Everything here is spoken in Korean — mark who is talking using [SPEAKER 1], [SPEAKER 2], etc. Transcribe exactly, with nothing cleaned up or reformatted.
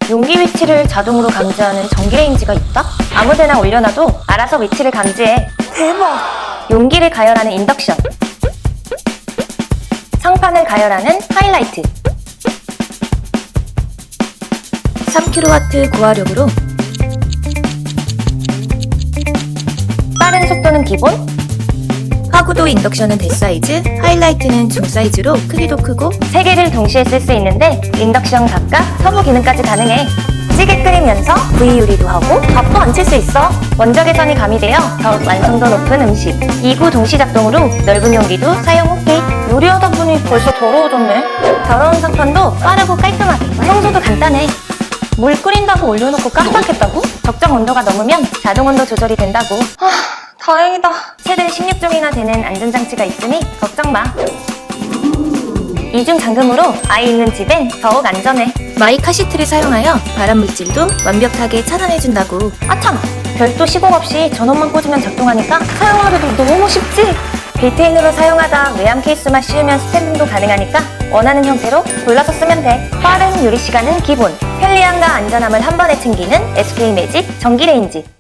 [SPEAKER 1] 용기 위치를 자동으로 감지하는 전기레인지가 있다? 아무데나 올려놔도 알아서 위치를 감지해. 대박! 용기를 가열하는 인덕션, 상판을 가열하는 하이라이트, 삼 킬로와트 고화력으로 빠른 속도는 기본, 하구도 인덕션은 대사이즈, 하이라이트는 중사이즈로 크기도 크고 세 개를 동시에 쓸 수 있는데 인덕션 각각 터보 기능까지 가능해. 찌개 끓이면서 브이 요리도 하고 밥도 안 칠 수 있어. 원적 개선이 가미되어 더욱 완성도 높은 음식. 이 구 동시 작동으로 넓은 용기도 사용 오케이. 요리하다 보니 벌써 더러워졌네. 더러운 상판도 빠르고 깔끔하게. 청소도 간단해. 물 끓인다고 올려놓고 깜빡했다고? 적정 온도가 넘으면 자동 온도 조절이 된다고. 아, 다행이다. 최대 십육 종이나 되는 안전장치가 있으니 걱정 마. 이중 잠금으로 아이 있는 집엔 더욱 안전해. 마이 카시트를 사용하여 발암 물질도 완벽하게 차단해준다고. 아참! 별도 시공 없이 전원만 꽂으면 작동하니까 사용하기도 너무 쉽지? 빌트인으로 사용하다 외암 케이스만 씌우면 스탠딩도 가능하니까 원하는 형태로 골라서 쓰면 돼. 빠른 요리 시간은 기본, 편리함과 안전함을 한 번에 챙기는 에스케이 매직 전기레인지.